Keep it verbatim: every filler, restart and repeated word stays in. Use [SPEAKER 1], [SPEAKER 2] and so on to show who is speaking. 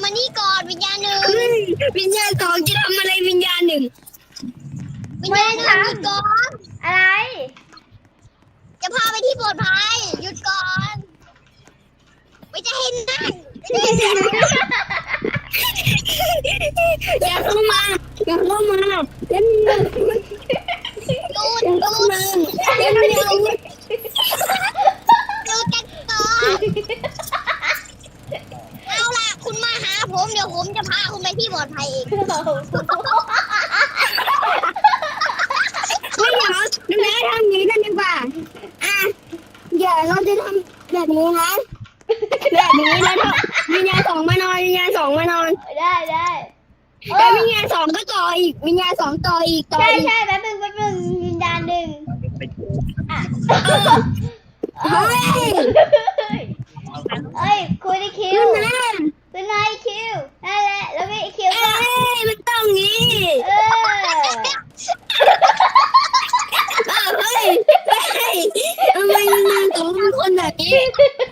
[SPEAKER 1] มานี่ก่อนวิญญาณหนึ่ง
[SPEAKER 2] เฮ้ยวิญญาณสองจะทำอะไรวิญญาณหนึ่ง
[SPEAKER 1] วิญญาณหนึ่งหยุดก่อน
[SPEAKER 3] อะไร
[SPEAKER 1] จะพาไปที่ปลอดภัยหยุดก่อนไม่จะเห็นนั่นไม่ได้เห็น
[SPEAKER 2] อย่าเข้ามาอย่าเข้ามาเล่นอย่า
[SPEAKER 1] หยุดห
[SPEAKER 2] เข้า
[SPEAKER 1] ยุด
[SPEAKER 2] มาเล่นเร็ว
[SPEAKER 1] หยุดกันก่อนเอาล่ะคุณมาหาผมเดี๋ยวผมจะพาคุณไปที่ปลอดภัยเอง
[SPEAKER 2] ไม่เหรอแล้วทำอย่างนี้กันดีกว่าอ่ะเดี๋ยวเราจะทำแบบนี้นะแบบนี้แล้วก็วิญญาณสองมานอนวิญญาณสองมานอน
[SPEAKER 3] ได้ได้
[SPEAKER 2] แล้ววิญญาณสองก็ต่ออีกวิญญาณสองต่ออีกต่อ
[SPEAKER 3] ใช่
[SPEAKER 2] อีก
[SPEAKER 3] ใช่แป๊บนึงแป๊บนึงวิญญาณหนึ่งอ่ะ
[SPEAKER 2] เฮ้ย
[SPEAKER 3] เอ้ยคุยในคิ
[SPEAKER 2] ขึ้
[SPEAKER 3] วน
[SPEAKER 2] มา
[SPEAKER 3] เป็นไงคิวนั่นแหละแล้วก็ไอคิว
[SPEAKER 2] เอ้
[SPEAKER 3] ก็
[SPEAKER 2] ยมันต้องงี้
[SPEAKER 3] เออ
[SPEAKER 2] เออเฮ้ยเฮ้ยทำไมวิญญาณสองเป็นคนแบบนี้